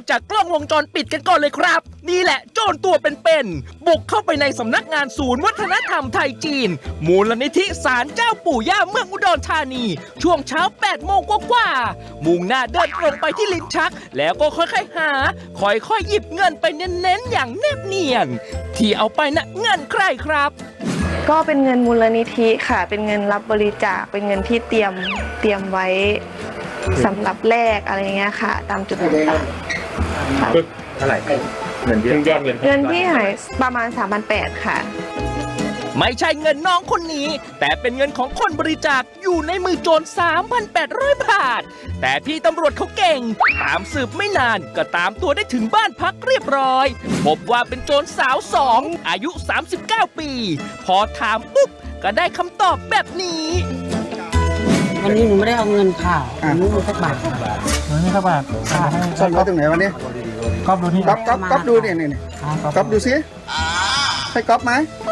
จากกล้องวงจรปิดกันก่อนเลยครับนี่แหละโจรตัวเป็นๆบุกเข้าไปในสำนักงานศูนย์วัฒนธรรมไทยจีนมูลนิธิศาลเจ้าปู่ย่าเมืองอุดรธานีช่วงเช้า8 โมงกว่ามุ่งหน้าเดินตรงไปที่ลิ้นชักแล้วก็ค่อยๆหาค่อยๆหยิบเงินไปเน้นๆอย่างแนบเนียนที่เอาไปนะเงินใครครับก็เป็นเงินมูลนิธิค่ะเป็นเงินรับบริจาคเป็นเงินที่เตรียมไว้สำหรับแลกอะไรเงี้ยค่ะตามจุดต่างเท่าไหร่เงินที่หายประมาณ 3,800 ค่ะไม่ใช่เงินน้องคนนี้แต่เป็นเงินของคนบริจาคอยู่ในมือโจร 3,800 บาทแต่พี่ตำรวจเขาเก่งตามสืบไม่นานก็ตามตัวได้ถึงบ้านพักเรียบร้อยพบว่าเป็นโจรสาว2อายุ39 ปีพอถามปุ๊บก็ได้คำตอบแบบนี้วันนี้หนูไม่ได้เอาเงินค่ะหนูไม่มีสักบาทหนูไม่มีสักบาทซ่อนไว้ตรงไหนวันนี้ก๊อฟดูนี่ก๊อฟดูเนี่ยก๊อฟดูซิใช่ก๊อฟไหม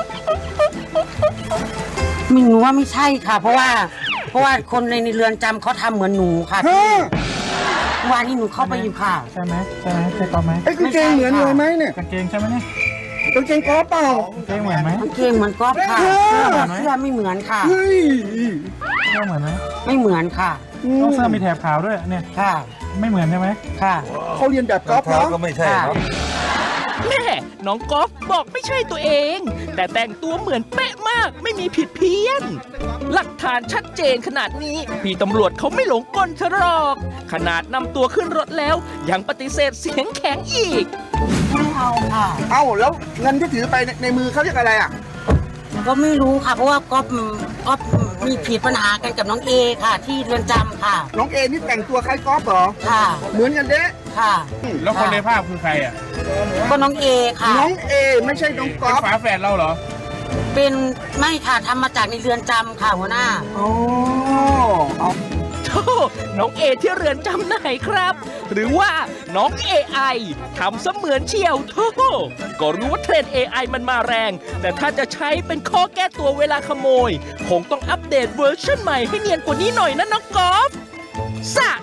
หนูว่าไม่ใช่ค่ะเพราะว่าคนในเรือนจำเขาทำเหมือนหนูค่ะวันนี้หนูเข้าไปอยู่ค่ะใช่ไหมใช่ก๊อฟไหมกางเกงเหมือนเลยไหมเนี่ยกางเกงใช่ไหมเนี่ยกางเกงก๊อฟเปล่ากางเกงเหมือนไหมกางเกงเหมือนก๊อฟค่ะเสื้อไม่เหมือนค่ะเฮ้ยเสื้อเหมือนไหมไม่เหมือนค่ะต้องเสื้อมีแถบขาวด้วยเนี่ยค่ะไม่เหมือนใช่ไหมค่ะเขาเรียนแบบก๊อฟเนาะก็ไม่ใช่ครับแม่น้องก๊อฟบอกไม่ใช่ตัวเองแต่แต่งตัวเหมือนเป๊ะมากไม่มีผิดเพี้ยนหลักฐานชัดเจนขนาดนี้พี่ตำรวจเขาไม่หลงกลเธอหรอกขนาดนำตัวขึ้นรถแล้วยังปฏิเสธเสียงแข็งอีกไม่เอาค่ะแล้วเงินที่ถือไปในมือเขาเรียกอะไรอ่ะก็ไม่รู้ค่ะเพราะว่าก๊อฟมีผิดปัญหากันกับน้องเอค่ะที่เรือนจำค่ะน้องเอนี่แต่งตัวคล้ายก๊อฟเหรอค่ะเหมือนกันเด้ค่ะแล้วคนในภาพคือใครอ่ะก็น้องเอค่ะน้องเอไม่ใช่น้องก๊อฟฝาแฝดเราเหรอเป็นไม่ค่ะทำมาจากในเรือนจำค่ะหัวหน้าน้องเอที่เรือนจำไหนครับหรือว่าน้อง AI ทำเสมือนเชียวโธ่ก็รู้ว่าเทรนด์ AI มันมาแรงแต่ถ้าจะใช้เป็นข้อแก้ตัวเวลาขโมยคงต้องอัปเดตเวอร์ชันใหม่ให้เนียนกว่านี้หน่อยนะน้องกอล์ฟ